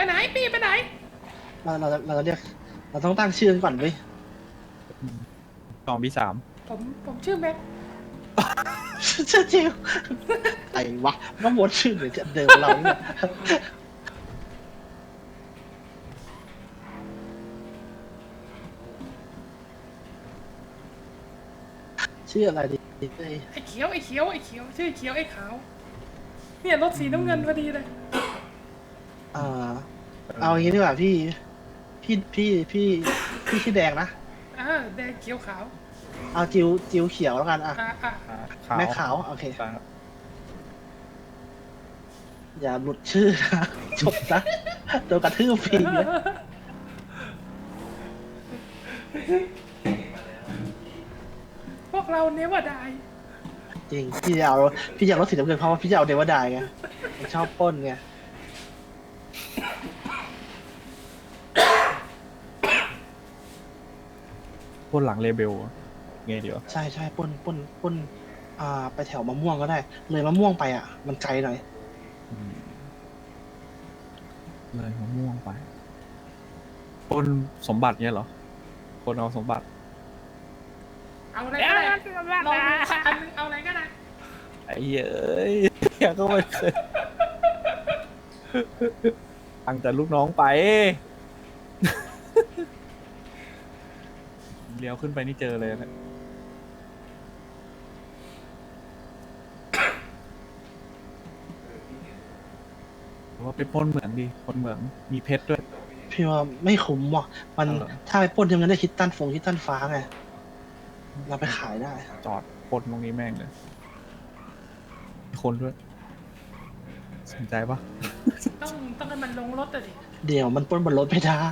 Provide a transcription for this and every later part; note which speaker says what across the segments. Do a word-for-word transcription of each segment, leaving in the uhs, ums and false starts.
Speaker 1: ไหนพี่ไปไหน
Speaker 2: เราเราเราจะเรียกเราต้องตั้งชื่อกันก่อนเว้ย
Speaker 3: สองบีสาม
Speaker 1: ผมผมชื่อแม็ก
Speaker 2: ชื่อจิวไอ้วะน้องมดชื่อหรือจะเดิมเราเนี่ยชื่ออะไรดีเอ้ย
Speaker 1: ไอ้เขียวไอ้เขียวไอ้เขียวชื่อเขียวไอ้ขาวเนี่ยรถสีน้ำเงินพอดีเลย
Speaker 2: เอ่อเอาอย่างนี้ดีกว่าพี่พี่พี่พี่พี่ชื่อแดงนะ
Speaker 1: อ่าแดงเขียวขาว
Speaker 2: เอาจิวจิวเขียวแล้วกันอ่ะ
Speaker 1: อ่าอ่า
Speaker 3: อ่าขาว
Speaker 2: แม่ขาวโอเค
Speaker 3: ครับ
Speaker 2: อย่าหลุดชื่อนะจบนะโดนกระทืบฟรีนะ
Speaker 1: พวกเราเนวดาย
Speaker 2: จริงพี่จะเอาพี่จะเอารถสีน้ำเงินเพราะว่าพี่จะเอาเดวดายไงผมชอบปล้นไง
Speaker 3: พ่นหลังเลเบลไงเดี๋ยว
Speaker 2: ใช่ใช่ปล้นปล้นปล้นอ่าไปแถวมะม่วงก็ได้ เลยมะม่วงไปอ่ะ มันไกลหน่อย
Speaker 3: อืมเลยมะม่วงไปพ่นสมบัติเนี่ยเหรอพ่นเอาสมบัติ
Speaker 1: เอาอะไรก็ได้ลองดูสักอันนึงเอาอะไรก็ได้
Speaker 3: ไอ้เอ้ยยังก็ไม่เคยตั้งแต่ลูกน้องไปเลี้ยวขึ้นไปนี่เจอเลยนะว่าไปปล้นเหมืองดีคนเหมืองมีเพชรด้วย
Speaker 2: พี่ว่าไม่คุ้มว่ะมัน
Speaker 3: เอาเหรอ
Speaker 2: ถ้าไปปล้นทำงั้นได้คิดตันฟงคิดตันฟ้าไง เราไปขายได้
Speaker 3: จอดปล้นตรงนี้แม่งเลยมีคนด้วย สนใจปะ
Speaker 1: ต้องต้องให้มันลงรถอะดิ
Speaker 2: เดี๋ยวมันปล้นบนรถไม่ได้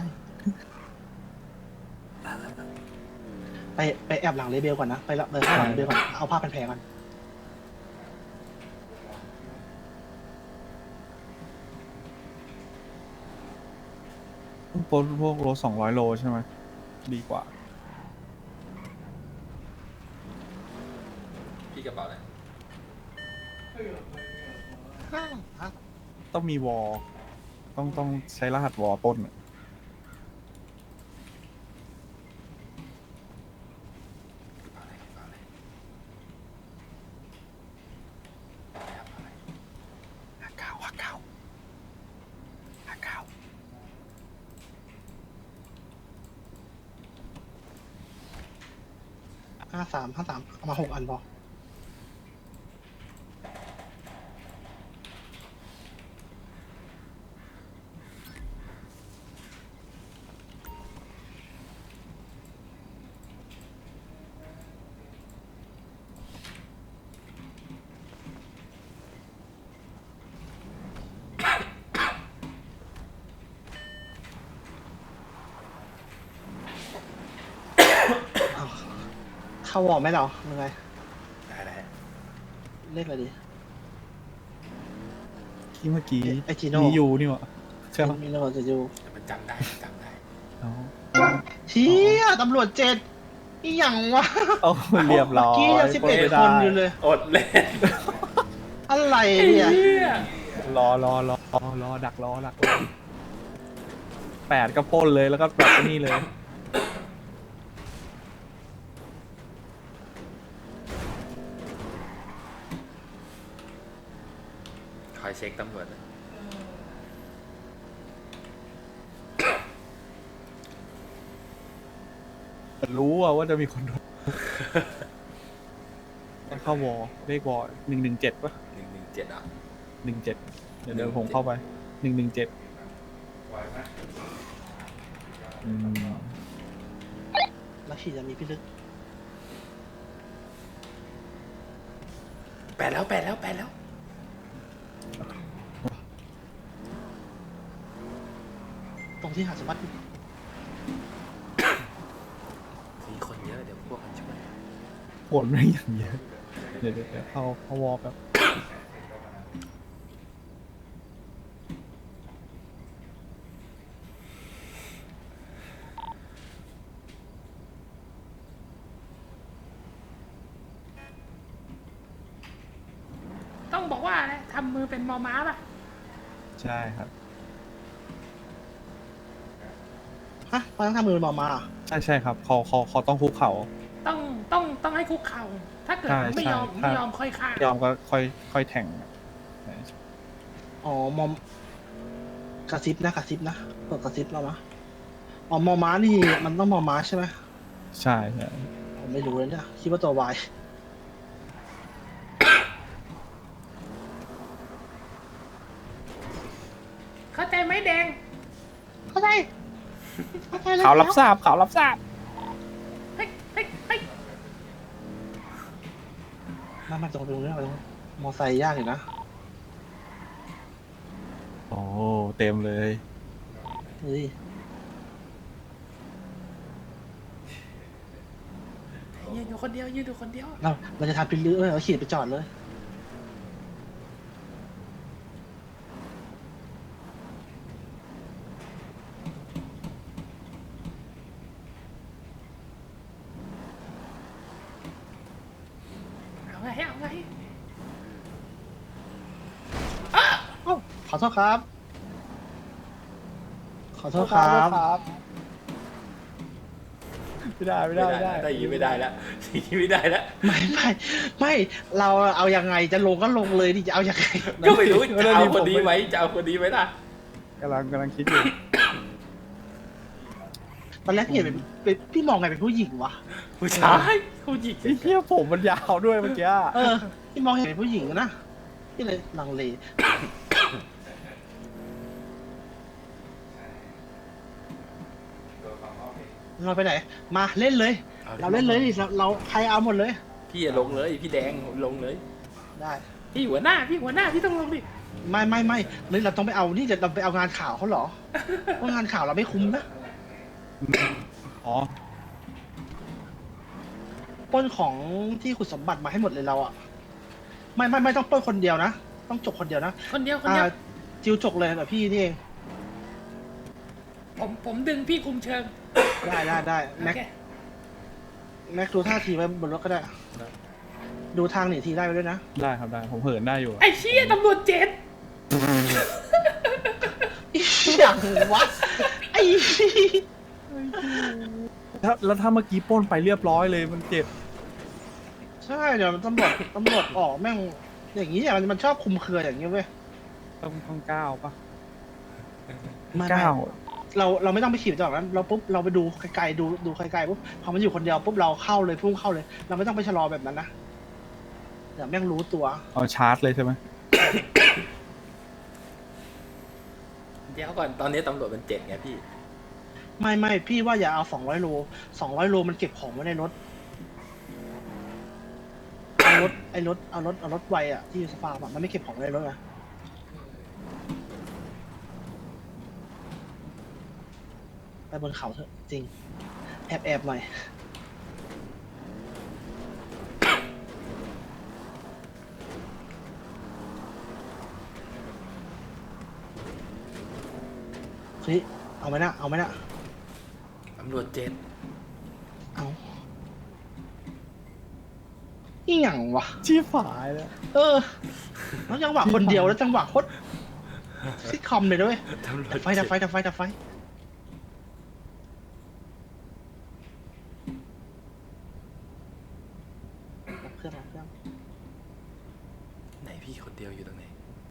Speaker 2: ไปไปแอบหลังเลเบลก่อนนะ ไปละไปข้างหลังเลเบลก่อน เอาผ้าพันแผลก่อน
Speaker 3: ปล้นพวกโลสองร้อยโลใช่ไหมดีกว่า
Speaker 4: พี่กระเป๋าอะไร
Speaker 3: ต้องมีวอลต้องต้องใช้รหัสวอลปล้นอะ
Speaker 4: กระเป๋าอะไรกระเป๋าอะไร
Speaker 3: ห้าเก้าห้าเก้าห้าเก้า
Speaker 2: ห้าสามห้าสามเอามาหกอันพอ อ้าวเข้าวอร์มไหมเรายังไง
Speaker 4: ได้ได้
Speaker 2: เลขอะไรดี
Speaker 3: ที่เมื่อกี้
Speaker 2: ไอ้จีโน่
Speaker 3: มีอยู่นี่หวะใช่ไหม
Speaker 2: มีเราจะอยู่
Speaker 4: แต่มันจำได้มันจำได้
Speaker 3: เอา
Speaker 2: เชี่ยตำรวจเจ็ดอีหยังวะ
Speaker 3: เอาเรียบร้อย
Speaker 2: กี้ยังสิบเอ็ด
Speaker 3: ปล้
Speaker 2: คน
Speaker 3: ไม่
Speaker 2: อยู่เลย
Speaker 4: อดเล่น
Speaker 2: อะไร
Speaker 1: ไอ้
Speaker 2: เนี่ย
Speaker 1: เหี้ย
Speaker 3: รอรอรอรอรอดักรอดักรอแปดก็ปล้นเลยแล้วก็แบบนี่เลย
Speaker 4: คอยเช็คตำรวจนะ
Speaker 3: รู้อะว่าจะมีคนโดนเข้าวอลเลขวอลหนึ่งหนึ่งเจ็ดปะ
Speaker 4: หนึ่งหนึ่งเจ็ดอ่ะ
Speaker 3: หนึ่งเจ็ดเดี๋ยวเดี๋ยวผมเข้าไปหนึ่งหนึ่งเจ็ดอืม
Speaker 2: แล้วขี่จะมีพี่ลึก
Speaker 4: แปดแล้วแปดแล้วแปดแล้ว
Speaker 2: ตรงที่หาดสมบัติ
Speaker 4: มีคนเยอะเดี๋ยวพวกมันช่วย
Speaker 3: ผลไม่อย่างเยอะเดี๋ยวเดี๋ยวเดี๋ยวเข้าเข้าวอลแบบ
Speaker 1: ต้องบอกว่าอะไรทำมือเป็นมอม้าป่ะ
Speaker 3: ใช่ครับ
Speaker 2: ฮะเขาต้องทำมือหมอมาเหรอ
Speaker 3: ใช่ใช่ครับเขาเขาเขาต้องคุกเข่า
Speaker 1: ต้องต้องต้องให้คุกเข่า ถ้าเกิด
Speaker 3: ใช่
Speaker 1: ไม่ยอม
Speaker 3: ใช่
Speaker 1: ไม่ยอมค่อยฆ่าย
Speaker 3: อมก็ค่อยค่อยแทง
Speaker 2: อ๋อมอมกระซิบนะกระซิบนะเปิดกระซิบเรามะอ๋อมอม้านี่มันต้องมอม้าใช่ไหม
Speaker 3: ใช่ใช่
Speaker 2: ผมไม่รู้เลยเนี่ยคิดว่าตัววาย
Speaker 1: เข้าใจไหมแดง
Speaker 2: เข้าใจเข้าใจแล้ว
Speaker 3: เขารับทราบเขารับทราบ
Speaker 1: เฮ้ยเฮ้ยเฮ้ย
Speaker 2: มามาตรงตรงนี้ตรงนี้มอไซค์ยากอยู่นะ
Speaker 3: โอ้เต็มเลย
Speaker 2: เฮ้ย
Speaker 1: ยืนอยู่คนเดียวยืนอยู่คนเดียว
Speaker 2: เราเราจะทำพิลึกเลยเราขี่ไปจอดเลย
Speaker 1: เอาไงเอาไง
Speaker 2: เอ้าขอโทษครับ ขอโทษครับ
Speaker 3: ไม่ได้ไม่ได้ไม่ได้
Speaker 4: ได้ยินไม่ได้แล้วยินไม่ได้แล้ว
Speaker 2: ไม่ไม่ไม่เราเอายังไงจะลงก็ลงเลยดิจะเอายังไง
Speaker 4: ก็ไม่รู้จะเอาคนนี้ไหมจะเอาคนนี้ไหมล่ะ
Speaker 3: กำลังกำลังคิดอยู่
Speaker 2: ตอนแรกพี่เห็นเป็นเป็นพี่มองไงเป็นผู้หญิงวะ
Speaker 4: ผู้ชายผู้หญิง
Speaker 3: ไอ้เหี้ยผมมันยาวด้วยเมื่อกี้
Speaker 2: เออพี่มองเห็นเป็นผู้หญิงนะพี่เลยลังเลเราไปไหน มาเล่นเลย เราเล่นเลยดิเราเราใครเอาหมดเลย
Speaker 4: พี่ลงเลยพี่แดงลงเลย
Speaker 2: ได้
Speaker 1: พี่หัวหน้าพี่หัวหน้าพี่ต้องลงดิ
Speaker 2: ไม่ไม่ไม่เลยเราต้องไปเอานี่เดี๋ยวเราไปเอางานข่าวเขาเหรอเพราะงานข่าวเราไม่คุ้มนะ
Speaker 3: อ๋อ
Speaker 2: ปล้นของที่ขุดสมบัติมาให้หมดเลยเราอะไม่ไม่ไม่ต้องปล้นคนเดียวนะต้องจกคนเดียวนะ
Speaker 1: คนเดียวคน
Speaker 2: อ่า
Speaker 1: เดียว
Speaker 2: จิวจกเลยแบบพี่นี่เอง
Speaker 1: ผมผมดึงพี่คุมเชิง
Speaker 2: ได้ได้ได้
Speaker 1: โอ
Speaker 2: แม็ก
Speaker 1: เค
Speaker 2: แม็กดูท่าทีไว้บนรถก็ได้ ดูทางหนีทีได้ไปด้วยนะ
Speaker 3: ได้ครับได้ผมเหินได้อยู่
Speaker 1: ไอ้เชี่ยตำรวจเจ็ด
Speaker 2: อย่างวะไอ้
Speaker 3: แล้วแล้วถ้าเมื่อกี้ปล้นไปเรียบร้อยเลยมันเจ็บ
Speaker 2: ใช่เดี๋ยวตำรวจตำรวจออกแม่งอย่างนี้อ่ะมันมันชอบคุมเครืออย่างนี้เว้ย
Speaker 3: ต้องต้องก้าวปะ
Speaker 2: ไม่ไม่
Speaker 3: ก้าว
Speaker 2: เราเราไม่ต้องไปขี่จากนั้นเราปุ๊บเราไปดูไกลๆดูดูไกลๆปุ๊บพอมันอยู่คนเดียวปุ๊บเราเข้าเลยพุ่งเข้าเลย เราไม่ต้องไปชะลอแบบนั้นนะเดี๋ยวแม่งรู้ตัว
Speaker 3: เอาชาร์จเลยใช่ไหม
Speaker 4: เดี๋ยวก่อนตอนนี้ตำรวจมันเจ็ดไงพี่
Speaker 2: ไม่ไม่พี่ว่าอย่าเอาสองร้อยโลสองร้อยโลมันเก็บของไว้ในรถเอารถไอ้รถเอารถเอารถไวอ่ะที่อยู่สฟาร์มอะมันไม่เก็บของไว้ในรถอะไปบนเขาเถอะจริง แอบแอบหน่อยเฮ้ยเอาไหมนะเอาไหมนะ
Speaker 4: ตำรวจเจ็ด
Speaker 2: เอาอีหยังวะ
Speaker 3: ชี้ฝายแล้ว
Speaker 2: เออแล้วจังหวะคนเดียวแล้วจังหวะโคตรซิทคอมเลยด้วย
Speaker 4: ตำรว
Speaker 2: ดั
Speaker 4: จ
Speaker 2: บไฟดับไฟดับไฟดับไฟดับเครื่องดับเครื่อง
Speaker 4: ไหนพี่คนเดียวอยู่ตรงไหน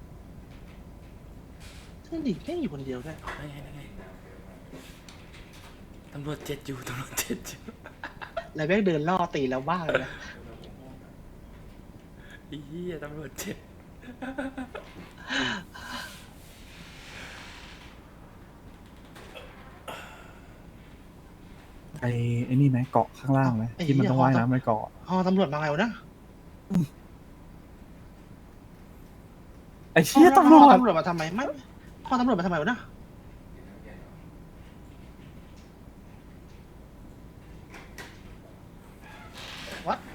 Speaker 2: เพื่อนดิแม่งอยู่คนเดียวด้วย
Speaker 4: นั่นไงนั่นไงตำรวจเจ็ดอยู่ตำรวจเจ็ดอยู่
Speaker 2: แล้วแม่งเดินล่อตีแล้วบ้าเลยนะ
Speaker 4: ไอ้เหี้ยตำรวจเจ็ด
Speaker 3: ไอ้ไอ้นี่ไหมเกาะข้างล่างไหมที่มันต้องว่ายน้ำไปเกาะ
Speaker 2: อ๋อตำรวจมาไงวะนะ
Speaker 3: ไอ้เชี่ยตำรวจ
Speaker 2: ตำรวจมาทำไมไม่พอตำรวจมาทำไมวะนะวัด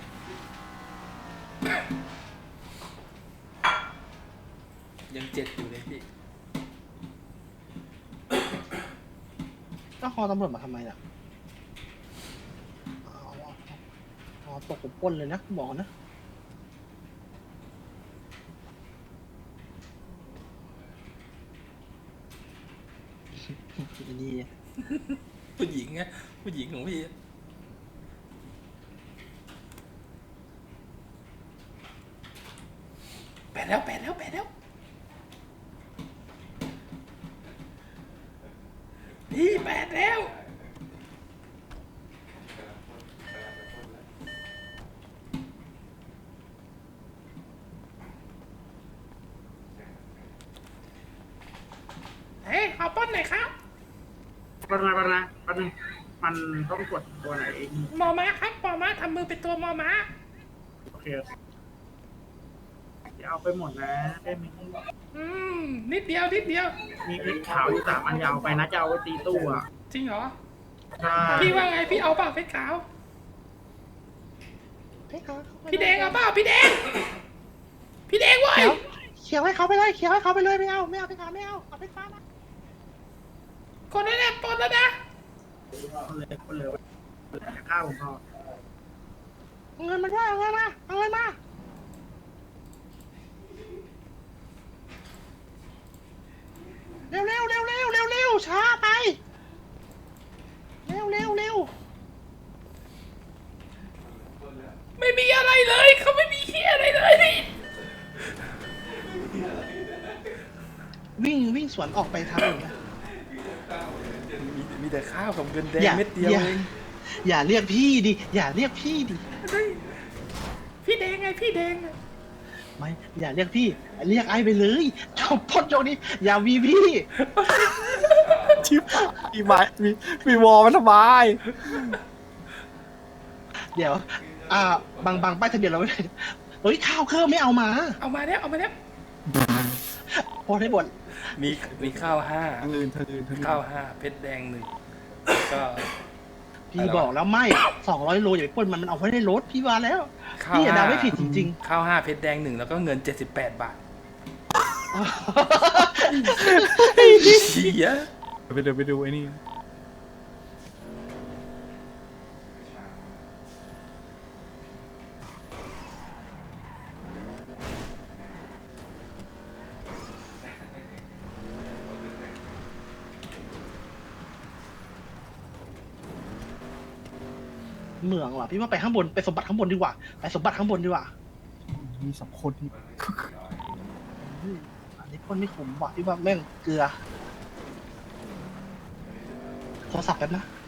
Speaker 4: ยังเจ็ดอยู่เลยพี่
Speaker 2: ก็คอตำรวจมาทำไมล่ะอ๋ออ๋อตกผมปล้นเลยนะบอกนะดี
Speaker 4: ผู้หญิงไงผู้หญิงของพี่แปดแล้วแปดแล้วแปดแล้วพี่แปดแล้ว
Speaker 1: เฮ้ยขอป้อนหน่อยครับ
Speaker 5: แป๊บนึงแป๊บนึงแป๊บนึงมันต้องกดตัวไหน
Speaker 1: มอม้าครับมอม้าทำมือเป็นตัวมอม้า
Speaker 5: โอเคอย่าเอาไปหมดนะได้ไหม
Speaker 1: อืมนิดเดียวนิดเดียว
Speaker 5: มีเล็กขาวอยู่สามอันยาวไปนะจะเอาไว้ตีตู้อ่ะ
Speaker 1: จริงเหรอ
Speaker 5: ใช่
Speaker 1: พี่ว่าไงพี่เอาเปล่าเพชรขาว พี่แดงเอาเปล่าพี่แดง พี่แดงเว้ย
Speaker 2: เขียวให้เขาไปเลยเขียวให้เขาไปเลยไม่เอาไม่เอาไปขาวไม่เอาเอาไปฟ้านะ
Speaker 1: คนนั้นแหละปนแล้วนะ
Speaker 5: คนเลยคนเลยจะฆ่าผมพอ
Speaker 2: เอาเงินมาด้วยเอาเงินมาเอาเงินมาเร็วเร็วเร็วเร็วเร็วเร็วช้าไปเร็วเร็วเร็ว
Speaker 1: ไม่มีอะไรเลยเขาไม่มีเฮียอะไรเลย
Speaker 2: วิ่งวิ่งสวนออกไปทางอื่นนะ
Speaker 4: มีมีแต่ข้าวกับเงินแดง
Speaker 2: อย่า
Speaker 4: เม็ดเดียว
Speaker 2: อย่า
Speaker 4: เอง
Speaker 2: อย่าเรียกพี่ดิอย่าเรียกพี่ดิ
Speaker 1: เฮ้ยพี่แดงไงพี่แดงอะ
Speaker 2: ไม่อย่าเรียกพี่ เรียกไอ้ไปเลยจบพ้นโจนี้ อย่าวีพี่
Speaker 3: ชิบมีไม้มีมีวอลมันทำไม
Speaker 2: เดี๋ยว อ่าบางบางป้ายทะเบียนเราไม่ได้เฮ้ยข้าวเครื่องไม่เอามา
Speaker 1: เอามาแล้วเอามาแล้ว
Speaker 2: พอได้หมด
Speaker 4: มีมีข้าวห้า
Speaker 3: ทางอื่นทางอื่นทางอื่น
Speaker 4: ข้าวห้าเพชรแดงหนึ่งก็
Speaker 2: พี่บอกแล้วไม่สองร้อยโลอย่าไปปล้นมันมันเอาไว้ในรถพี่ว่าแล้ว
Speaker 4: ข้าว
Speaker 2: พี่อย่า
Speaker 4: ห้า
Speaker 2: เดาไม่ผิดจริง
Speaker 4: ข้าวห้าเพชรแดงหนึ่งแล้วก็เงินเจ็ดสิบแปดบาท
Speaker 2: ๆ
Speaker 4: เหี้ย
Speaker 3: ไปเดี๋ยวไปดูไอ้นี่
Speaker 2: เหมืองเหรอพี่ว่าไปข้างบนไปสมบัติข้างบนดีกว่าไปสมบัติข้างบนดีกว่า
Speaker 3: มีสองคนที่
Speaker 2: อืมอันนี้ปล้นไม่คุ้มว่ะพี่ว่าแม่งเกลือโทรศัพท์แป๊บนะ